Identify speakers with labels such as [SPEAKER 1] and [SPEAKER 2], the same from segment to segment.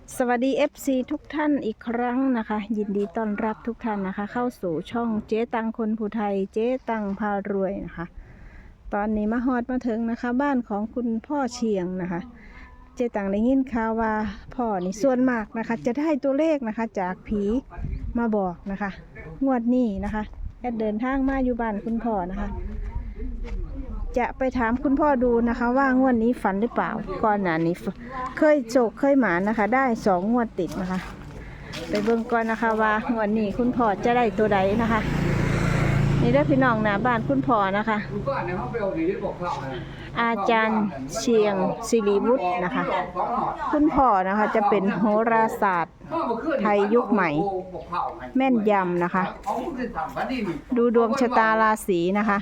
[SPEAKER 1] สวัสดี FC ทุกท่านอีกครั้งนะคะยินดีต้อนรับทุกท่านนะคะเข้าสู่ช่องเจ๊ตังคนผู้ไทยเจ๊ตังพารวยนะคะตอนนี้มาฮอดมาถึงนะคะบ้านของคุณพ่อเชียงนะคะเจ๊ตังได้ยินข่าวว่าพ่อนี่ส่วนมากนะคะจะได้ตัวเลขนะคะจากผีมาบอกนะคะงวดนี้นะคะแอดเดินทางมาอยู่บ้านคุณพ่อนะคะจะไปถามคุณพ่อดูนะคะว่างวดนี้ฝันหรือเปล่าก่อนหน้านี้เคยโจกเคยหมานะคะได้2 งวดติดนะคะไปเบิ่งก่อนนะคะว่างวดนี้คุณพ่อจะได้ตัวใดนะคะนี่ได้พี่น้องหน้าบ้านคุณพ่อนะคะอาจารย์เชียงศิริวุฒินะคะคุณพ่อนะคะจะเป็นโหราศาสตร์ไทยยุคใหม่แม่นยำนะคะดูดวงชะตาราศีนะคะ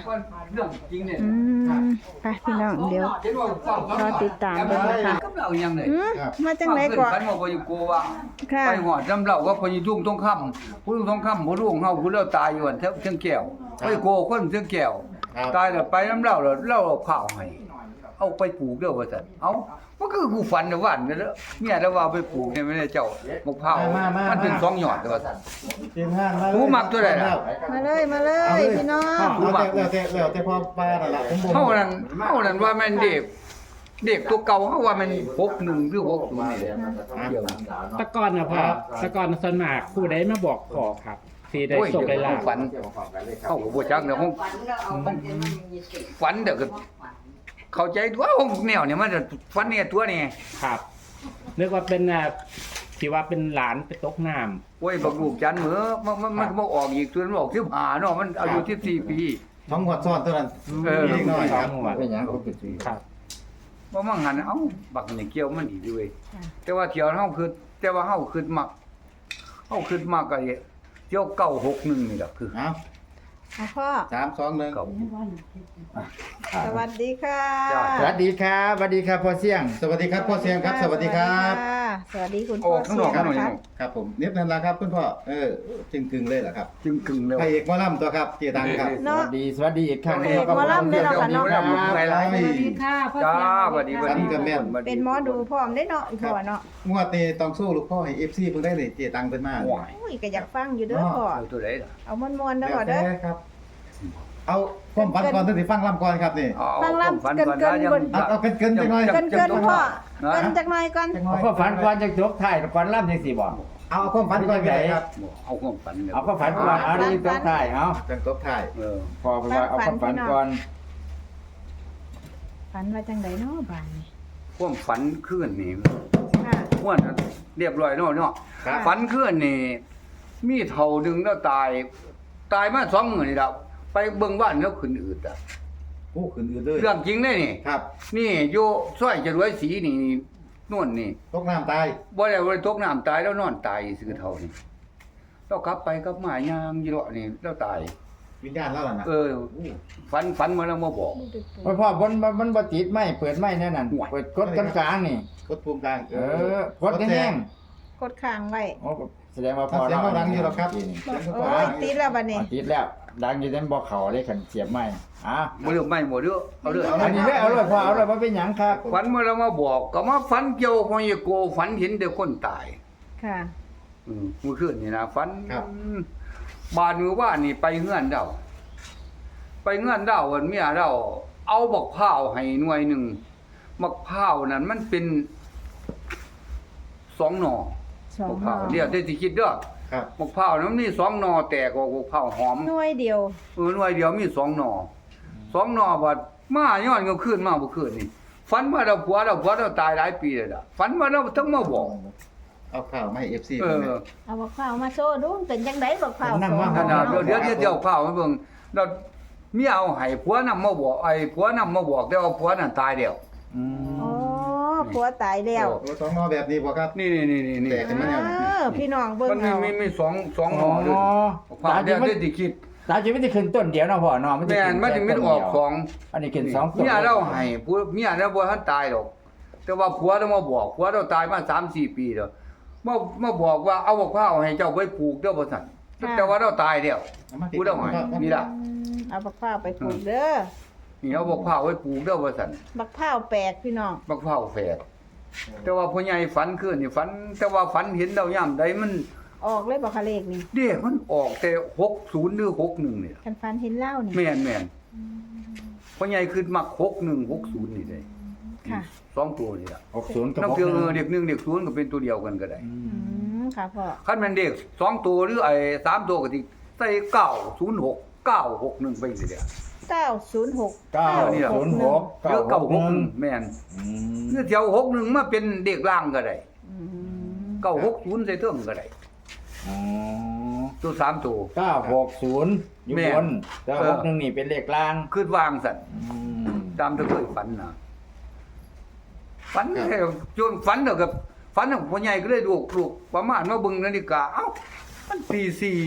[SPEAKER 1] ไปพี่น้องเดี๋ยวรอติดตามกันนะคะมาจังไหนก่อนค่ะ
[SPEAKER 2] ไปหอดจำเล่าว่าพญทุ่งทองคำผู้ทองคำผู้ลุงเฮาผู้เล่าตายอยู่อันเชียงแก้วไปโกคนเชียงแก้วตายแล้วไปน้ำเล่าแล้วเล่าข้าวให้เอาไปปลูกเด้อว่าซั่นเอ้ามันคือกูฝันนะวันนั่นแหละเมียแล้วว่าไปปลูกเนี่ยไม่ได้เจ้ามะพร้าวมันเป็น2 ยอดว่าซั่นผู้มักตัวใดล่ะ
[SPEAKER 1] มาเลยพี่น้อง
[SPEAKER 3] แล้วแต่พอปลานั่นล่ะ
[SPEAKER 2] เฮานั้นว่าแม่นเด็กตัวเก่าเฮาว่ามัน61หรือ60นี่แหละเกี่ยว
[SPEAKER 4] ตะกอนนะพ่อตะกอนส่วนมากผู้ใดมาบอกพ่อครับที่ได้ส่งได้ลา
[SPEAKER 2] ฝันเฮาก็บ่จักเด้อห้องฝันเด้อก็เข้าใจตัวห้องแนวเนี่ยมันฝันเนี่ยตัวนี่
[SPEAKER 4] ครับนึกว่าเป็นที่ว่าเป็นหลานไปตกน้ำ
[SPEAKER 2] โอ้ยบักลูกจันเหมือมันบ่ออกอีกตัวมันออก15เนาะมันอายุ14 ปี
[SPEAKER 3] 2 งวดซ้อนเท่านั้นอีกหน่อยครับเป็นหยังเขาเป็นสิ
[SPEAKER 4] ครับ
[SPEAKER 2] บ่มั่งหันเอ้าบักนี่เกี่ยวมันอีกด้วยแต่ว่าเที่ยวเฮาคือแต่ว่าเฮาคือมักก็เที่ยว961นี่ล่ะคือ
[SPEAKER 3] เอ้า
[SPEAKER 1] พ่อ
[SPEAKER 3] 3 2 1
[SPEAKER 2] เก่า
[SPEAKER 1] สวัสดีค่ะ
[SPEAKER 3] สวัสดีครับสวัสดีครับพ่อเสียงสวัสดีครับพ่อเสียงครับสวัสดีครับ
[SPEAKER 1] สวัสดีคุณ
[SPEAKER 2] อ
[SPEAKER 1] พ่อ
[SPEAKER 2] อกข้างนอกกันหน่อย
[SPEAKER 3] ครับผมเน็บนั่นล่ะครับคุณพ่อจึงกึ่งเลยเหรอครับ
[SPEAKER 2] จึงกึ่งแล้ว
[SPEAKER 3] พระเอกหมอลำตัวครับเจตังครับ
[SPEAKER 1] เนาะ
[SPEAKER 3] สวัสดีอีกครั้ง
[SPEAKER 1] พระเอกหมอลำด้วยเนาะค่ะเนาะ
[SPEAKER 2] ใครล่ะ
[SPEAKER 1] สวัสดีค่ะพ่อ
[SPEAKER 2] จ้า
[SPEAKER 1] เสียง
[SPEAKER 2] สวัสดีสวัสดี
[SPEAKER 1] เป็นหมอดูพร้อมได้เนาะอีกพ่อเนาะ
[SPEAKER 3] งวดนี้ต้องสู้ลูกพ่อให้ FC เพิ่นได้เลยเจตังเพิ่นมา
[SPEAKER 2] โอ้ย
[SPEAKER 1] อุ้ยก็อยากฟังอยู่เด้อพ่อ
[SPEAKER 2] เอาตัวไหนล่ะ
[SPEAKER 1] เอามวนๆเด้อพ่อเด้อ
[SPEAKER 3] ครับเอาความฝันก่อนถึงสิฟังลำก่อนครับนี่
[SPEAKER 1] ฟังลำเกินๆบน
[SPEAKER 3] เอาเกินจังหน่อย
[SPEAKER 1] เกินพ่อเกินจักหน่อยก่อน
[SPEAKER 5] เอาความฝันก่อนจะจบท้ายก่อนล่ำจังสี่บ่
[SPEAKER 3] เอาความฝันก่อนก็ได้ครับ
[SPEAKER 2] เอาความฝันเนี่ย
[SPEAKER 5] เอาความฝันก่อนเอาดีจบท้ายเอา
[SPEAKER 3] จังตบท้าย
[SPEAKER 5] พอว่าเอาความฝันก่อน
[SPEAKER 1] ฝันว่าจังไดเนาะบ้านนี้
[SPEAKER 2] ความฝันคืนนี่
[SPEAKER 1] ค่ะ
[SPEAKER 2] ม่วนเรียบร้อยเนาะฝันคืนนี่มีเท่าดึงแล้วตายมา2 มื้อนี่ล่ะไปเบิ่งบ้านแล้วขึ้นอืดอ่ะ
[SPEAKER 3] โอ้ขึ้นอื่นเลย
[SPEAKER 2] เรื่องจริงเด้นี่
[SPEAKER 3] ครับ
[SPEAKER 2] นี่อยู่ซอยจรวยศรีนี่นู่นนี่
[SPEAKER 3] ตกน้ำตาย
[SPEAKER 2] บ่ได้ตกน้ำตายแล้วนอนตายซื่อเท่านี่เรากลับไปกลับมายามอยู่เลาะนี่แล้วตาย
[SPEAKER 3] วิญญาณแล้วล่ะนะ
[SPEAKER 2] ฝันมาแล้วมาบอก
[SPEAKER 5] พ่อบนมันบ่ติดไม้เปิดไม้แน่นั่นเปิดกดกลางๆนี่
[SPEAKER 3] กดภูมิกลาง
[SPEAKER 5] กดแห้ง
[SPEAKER 1] กดค้างไว้
[SPEAKER 5] ๆโอ้แสดงว่าพอ
[SPEAKER 3] เสียงเราดังอยู่หรอกครับ
[SPEAKER 1] โอ้ยติดแล้วบัดนี้
[SPEAKER 5] ติดแล้วดังอยู่แต่บ่เข้าได้คันเสียบไม้
[SPEAKER 2] บ่เรื่องไม่บ่เด้อเอาเด้อ
[SPEAKER 5] อันนี้ได้เอาเลยพอเอาเลยบ่เป็นหยังครับ
[SPEAKER 2] ฝันมาแล้วมาบอกก็มาฝันเกี่ยวพอยโกฝันเห็นแต่คนตาย
[SPEAKER 1] ค่ะ
[SPEAKER 2] เมื่อคืนนี่นะฝันบ้านมือว่านี่ไปเฮือนเดาวันเมียเดาเอาบักพร้าวให้หน่วยหนึงบักพร้าวนั้นมันเป็น2 หน่อบักพร้าวเดี๋ยวได้สิคิดเด้อ
[SPEAKER 3] ครับ
[SPEAKER 2] บักพร้าวนั้นมี2 หน่อแตกออกบักพร้าวหอม
[SPEAKER 1] หน่วยเดียว
[SPEAKER 2] หน่วยเดียวมี2 หน่อ2 หน่อบัดมาย้อนก็ขึ้นมาบ่คืนนี่ฝันว่าเราผัวเราตายหลายปีแล้วล่ะฝันว่าเราทั้งมาบอก
[SPEAKER 3] เอาข่าวมาให้ FC
[SPEAKER 2] เอ
[SPEAKER 3] เพิ่น
[SPEAKER 2] อ
[SPEAKER 1] เอาบักพร้าวมาโชว์ดูเป็นจังไดบักพร้าว
[SPEAKER 2] ขนาดเดี๋ยวข้าวมาเบิ่งเราเมียเอาให้ผัวนำมาบอกผัวนำมาบอกแต่ว่าผัวนั่นตายแล้ว
[SPEAKER 1] อ๋อผัวตายแล้ว
[SPEAKER 3] สองนอแบบนี้บ่ครับ
[SPEAKER 2] นี่
[SPEAKER 3] แตกขึ้นมาแล้ว
[SPEAKER 1] พี่น้องเบิ่ง
[SPEAKER 2] มัน
[SPEAKER 1] เอา
[SPEAKER 2] มี2หอด้วยผัวเดี๋ยวได้คิด
[SPEAKER 5] ตามจริงมันสิขึ้นต้นเดียวเนาะพ่อเนาะ
[SPEAKER 2] แม่นมันถึงมันออก2
[SPEAKER 5] อันนี้ขึ้น2ต้น
[SPEAKER 2] เมียเราให้ผัวเมียเราบ่ทันตายหรอกแต่ว่าผัวเรามาบอกผัวเราตายมา 3-4 ปีแล้วมาบอกว่าเอาบักพร้าวให้เจ้าไปปลูกเด้อบ่ซั่นแต่ว่าเราตายแล้วผู้เดาให้นี่ล่ะ
[SPEAKER 1] เอาบักพร้าวไปปลูกเด้อ
[SPEAKER 2] นี่เอาบักพร้าวไว้ปลูกเด้อว่าซั่น
[SPEAKER 1] บักพร้าวแปลกพี่น้อง
[SPEAKER 2] บักพร้าวแฝดแต่ว่าพ่อใหญ่ฝันคืนนี่ฝัน แต่ว่าฝันเห็นดาวยามใดมัน
[SPEAKER 1] ออกเลยบ่คะเลขนี่
[SPEAKER 2] เด็กมันออกแต่60หรือ61นี่ล่ะ
[SPEAKER 1] คันฟันเห็นเหล้านี่
[SPEAKER 2] แม่นพ่อใหญ่คือมัก61 60นี่ได้
[SPEAKER 1] ค่ะ
[SPEAKER 2] สองตัวนี่ล่ะ
[SPEAKER 3] 60กับ
[SPEAKER 2] น้ำเทือง
[SPEAKER 3] 61
[SPEAKER 2] เด็ก1เด็ก0ก็เป็นตัวเดียวกันก็ได้
[SPEAKER 1] ค่ะพ่อ
[SPEAKER 2] คันแม่นเด็ก2ตัวหรือไอ้3ตัวก็สิใส่906 961ไปสิเด้อ
[SPEAKER 1] 906
[SPEAKER 2] นี่ล่ะ
[SPEAKER 3] 906
[SPEAKER 2] เรือ961แม่น
[SPEAKER 3] อืม
[SPEAKER 2] คือเที่ยว61มาเป็นเด็กล่างก็ได้
[SPEAKER 1] อืม
[SPEAKER 2] 960ใส่เทิงก็ได้
[SPEAKER 3] อ๋อ
[SPEAKER 2] ตัว3ตัว
[SPEAKER 3] 960อยู่
[SPEAKER 2] แม่
[SPEAKER 3] บนแต่61นี่เป็นเลขล่าง
[SPEAKER 2] คือวางสั่น
[SPEAKER 3] อืม
[SPEAKER 2] ตามที่เคยฝันนะฝันแค่จนฝันเด้อกับฝันของพ่อใหญ่ก็เลยลูกประมาณมาเบิ่งนาฬิกาเอ้ามันตี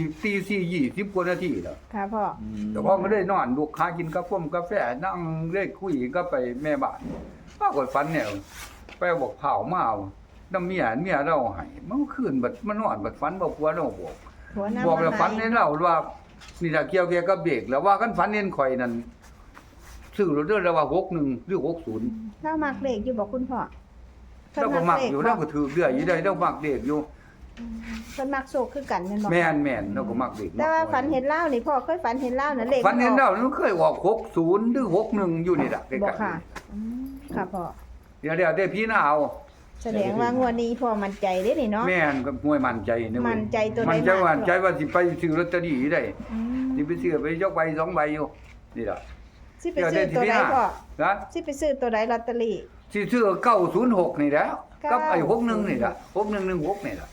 [SPEAKER 2] 4 20กว่านาทีแล้ว
[SPEAKER 1] ค่ะพ่อ
[SPEAKER 2] เจ้าของก็เลยนอนลูกค้ากินกาแฟนั่งเล่นคุยก็ไปแม่บ้านปรากฏฝันเนี่ยไปเอาบอกเผามาเอาน้ำเมียเราให้มันคืนบัดมันนอนบัดฝันบ่ผัวเราบอก
[SPEAKER 1] หัวหน้า
[SPEAKER 2] บอกแล้ว
[SPEAKER 1] มา
[SPEAKER 2] ฝัน
[SPEAKER 1] ให้
[SPEAKER 2] เห็นเราว่านี่ล่ะเกี่ยวกับเบรกแล้วว่ากันฝันเห็นข่อยนั่นซื้อรถเด้อแล้วว่า61หรือ60
[SPEAKER 1] เล่ามักเลขอยู่บอกคุณพ่อ
[SPEAKER 2] เราก็มักอยู่เราก็ถือเรื่อยอยู่ได้เรามักเด็กอยู่
[SPEAKER 1] เพิ่นมักโศกคือกันแม่นบ่
[SPEAKER 2] แม่นเราก็มักเด็ก
[SPEAKER 1] แต่ว่าฝันเห็นเหล้านี่พ่อเคยฝันเห็นเหล้าน่ะเลข
[SPEAKER 2] ฝันเห็น
[SPEAKER 1] มั
[SPEAKER 2] เรา
[SPEAKER 1] ออก
[SPEAKER 2] มันเคยออก60หรือ61อยู่นี่ล่ะใกล้
[SPEAKER 1] บ่
[SPEAKER 2] ๆ
[SPEAKER 1] ค่ะค่ะพ่อ
[SPEAKER 2] เดี๋ยวได้พี่น้าเอา
[SPEAKER 1] แสดงว่างวดนี้พ่อมั่นใจเด้นี่เนาะ
[SPEAKER 2] แม่นก็มวยมั่นใจนะเว้ย
[SPEAKER 1] มั่นใจตัวใด
[SPEAKER 2] มั่นใจ
[SPEAKER 1] มาก
[SPEAKER 2] ว่าใจว่าสิไปซื้อลอตเตอรี่ได้
[SPEAKER 1] อืม
[SPEAKER 2] สิไปซื้อไปยกใบ2ใบอยู่นี่ล่ะ
[SPEAKER 1] สิไปซื้อตัวใดพ่อ
[SPEAKER 2] นะ
[SPEAKER 1] สิไปซื้อตัวใดลอตเตอรี่
[SPEAKER 2] สิซื้อ906นี่แหล้วกับไอ้
[SPEAKER 1] 906
[SPEAKER 2] 61นี่ล่ะ6116นี่ล่ะ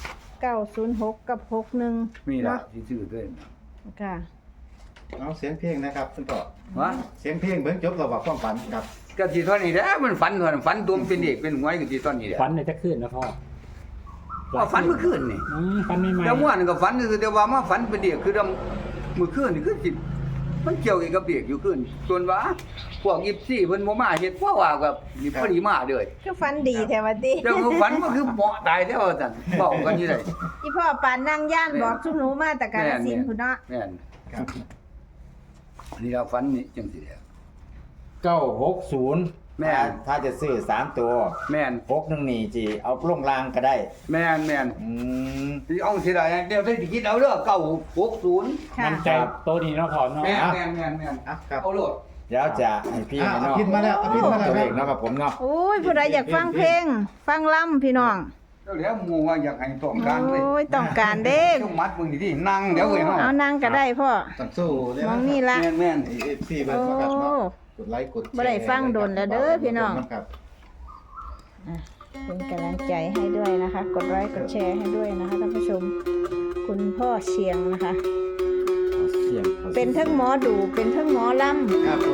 [SPEAKER 1] 906กับ61
[SPEAKER 2] มีล่ะ
[SPEAKER 1] เนาะ
[SPEAKER 2] สิซื้อด้วยนะ
[SPEAKER 1] ค่ะ
[SPEAKER 3] เอาเสียงเพลงนะครับคุณพ่อ
[SPEAKER 2] วะ
[SPEAKER 3] เสียงเพลงเบิ่งจบเราบอกความฝันครับ
[SPEAKER 2] ก็สิเท่านี้แหละมันฝันก่อนฝันตัวมันเป็นเอกเป็นหวยก็สิตอนนี้แหละ
[SPEAKER 4] ฝันในจะขึ้นนะพ่อ
[SPEAKER 2] ว่าฝันเมื่อคืนนี่
[SPEAKER 4] ฝันไม่ไหม
[SPEAKER 2] แล้วเมื่อวานก็ฝันคือแต่ว่ามาฝันเป็นเด็กคือเมื่อคืนนี่คือสิมันเกี่ยวกับเด็กอยู่คืนส่วนว่าพวก24เพิ่นบ่มาเฮ็ดเพราะว่ากับนี่พอดีมาเด้อ
[SPEAKER 1] คือฝันดีแท้ว่าติ
[SPEAKER 2] แต่ว่าฝันมันคือเหมาะตายแท้ว่าซั่นบอกกันอยู่ได้
[SPEAKER 1] อีพ่อปานนั่งย่านบอกทุกหนูมาแต่กาฬสินธุ์พุ่นเนาะ
[SPEAKER 2] แม่น
[SPEAKER 3] ครับ
[SPEAKER 2] นี่เราฝันนี่จังซี่แหละ
[SPEAKER 3] 960
[SPEAKER 2] แม่น
[SPEAKER 3] ถ้าจะซื้อ3ตัว
[SPEAKER 2] แม่น
[SPEAKER 3] 61นี่จีเอาลงรางก็ได้
[SPEAKER 2] แม่น
[SPEAKER 3] อืม
[SPEAKER 2] สิเอาสิได้เดี๋ยวได้สิคิดเอาเด้อ960
[SPEAKER 1] ค่ะ
[SPEAKER 4] มันใจโตดีเนาะพ่อเนาะ
[SPEAKER 2] แม่น
[SPEAKER 3] อ่ะครับ
[SPEAKER 2] เอาโลด
[SPEAKER 3] เดี๋ยวจะให้พี่
[SPEAKER 5] อ่ะ
[SPEAKER 3] ให้น้อง
[SPEAKER 5] เอาพินมาแล้วเอาพินมาแล้ว
[SPEAKER 3] ตัวเองเนาะครับผมเนาะ
[SPEAKER 1] โอ้ยผู้ใดอยากฟังเพลง ฟังล่ำพี่น้อง
[SPEAKER 2] แล้วหมู่ว่าอยากให้ต้องการเว้ย
[SPEAKER 1] โอ้ยต้องการเด้
[SPEAKER 2] ต้องมัดมึงดินั่งเดี๋ยวเว้ยเฮา
[SPEAKER 1] เอานั่งก็ได้พ่อ
[SPEAKER 5] ต้องสู้เลย
[SPEAKER 1] มองนี่ละ
[SPEAKER 2] แม่น
[SPEAKER 5] พี่เบิ่ง
[SPEAKER 1] โอ้
[SPEAKER 5] มาครับเนาะกดไลค์กดแชร์
[SPEAKER 1] บ่ได้ฟังโดนแล้วเด้อพี่น้อง
[SPEAKER 5] ครับ
[SPEAKER 1] เป็นกำลังใจให้ด้วยนะคะ กดไลค์กดแชร์ให้ด้วยนะคะท่านผู้ชม คุณพ่อเชียงนะคะ
[SPEAKER 3] เสียง
[SPEAKER 1] เป็นทั้งหมอดูเป็นทั้งหมอลำ
[SPEAKER 5] ครับผม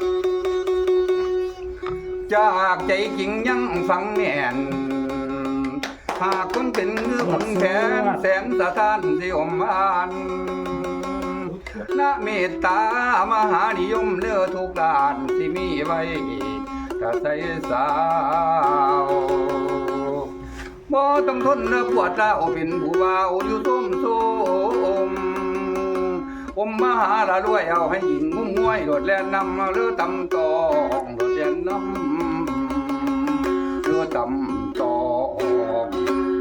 [SPEAKER 2] จากใจจริงยังฟังแน่นหากคนเป็นเรือคนแทนแสนสะท้านที่อมอ่านนะเมตตามหานิยมเลือทุกด้านที่มีไว้กะใส่สาวบ่ต้องทนเนื้อปวดร้าวเป็นผู้บ่าวอยู่ส้มโซมอมมหาละรวยเอาให้หญิงงุ้มงวยโดดแล่นนำเรือตำตองโดดแล่นนำเรือตำตอง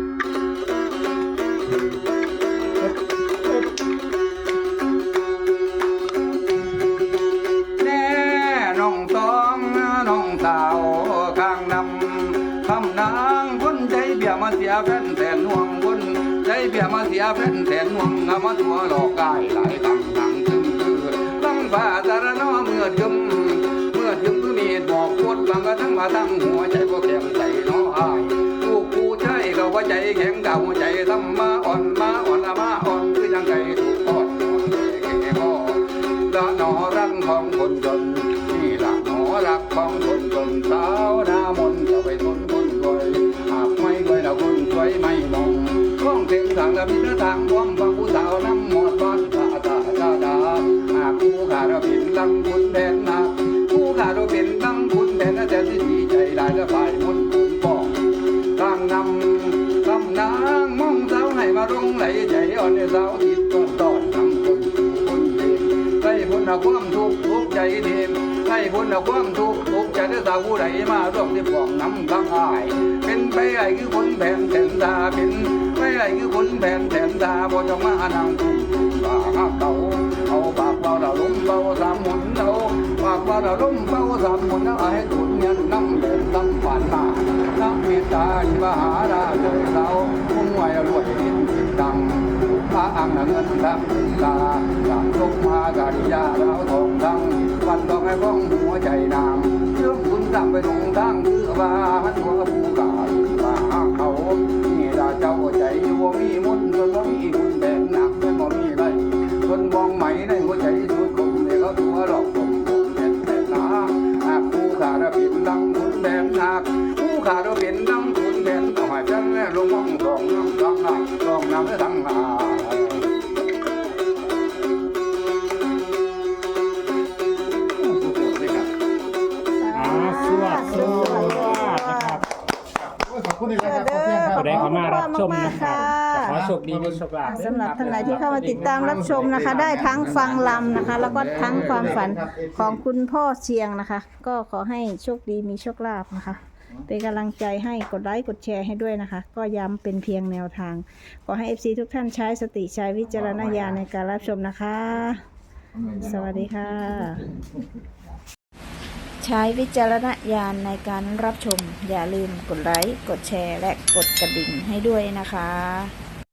[SPEAKER 2] แน่น้องตองน้องสาวข้างนำคำนางคนใจเบี้ยมาเสียแฟนแสนห่วงคนใจเบี้ยมาเสียแฟนแสนห่วงเอามาตัวหลอกกายหลายตั้งตึมคือตั้งฟ้าสารนอเมื่อจึมคือมีดบอกโคตรบังกระทั้งมาทั้งหัวใจบ่แข็งใจน้ออายลูกผู้ชายก็ว่าใจแข็งเก่าใจทำมาอ่อนมาคือยังไงถูกทอดแก่พ่อละหนอรักของคนจนนี่ละหนอรักของคนจนสาวหน้ามนจะไปทนคนรวยหากไม่รวยละคนสวยไม่มองข้องเต็มทางละมิตรทางความฟังผู้สาวน้ำหมดบ้านตาดาหากผู้ขาเราผิดลังคุณแดนหนักผู้ขาเราเป็นลังคุณแดนน่าจะดีใจหลายละฝ่ายมนต์คุณป้องทางนำนางมองสาวให้มาลงไหลใจอ่อนในสาวติดต้นทำคนสู่คนเดินใส่พ้นความทุกข์ใจเดิมให้พ้นจากความทุกข์ทุกข์ใจได้สาวผู้ใดมาร่วมที่บอกน้ำข้างอายเป็นไปไอ้คือคนแผ่นแสนตาเป็นไปไอ้คือคนแผ่นแสนตาบ่จะมานั่งทุกข์ปากเก่าเอาปากเบาเราล้มเบาสามหมุนเอาปากเบาเราล้มเบาสามหมุนเอาให้ตุนเงินน้ำเดือดน้ำผ่านมาน้ำเมตตาที่มหาราชเราพุ่งไหวรวยดินดังพระอังเงินดังตาจากลกมาการิยาเราทองดังวันต้องให้พ้องหัวใจนางเชื่อมคุณตามไปตรงทางคือว่ามันหัวผู้กาว่าเขานี่ราเจ้าใจอยู่มีมุนจนบ่มีคุณแบกหนักจนบ่มีไรคนมองไหมในหัวใจสุดคมเนี่ยเขาตัวหลอกผมเป็นแต่นาหากผู้ขาดเป็นดังคุณแบกหนักผู้ขาดเป็นดังคุณแบกต่อให้ฉันและลงมองสองน้ำทั้งหาสองน้ำและทั้งหา
[SPEAKER 4] สวัสดีนะครับ
[SPEAKER 3] ขอบคุณอีกแล้วครับพ่อเสี่ยงครับ
[SPEAKER 4] ผู้ใดเข้ามารับชมนะครับขอโชคดีมีโชคลาภ
[SPEAKER 1] สำหรับท่านใดที่เข้ามาติดตามรับชมนะคะ ได้ทั้งฟังลำนะคะ แล้วก็ทั้งความฝันของคุณพ่อเชียงนะคะ ก็ขอให้โชคดีมีโชคลาภนะคะ เป็นกำลังใจให้กดไลค์กดแชร์ให้ด้วยนะคะ ก็ย้ำเป็นเพียงแนวทาง ขอให้ FC ทุกท่านใช้สติใช้วิจารณญาณในการรับชมนะคะ สวัสดีค่ะ ใช้วิจารณญาณในการรับชม อย่าลืมกดไลค์กดแชร์และกดกระดิ่งให้ด้วยนะคะ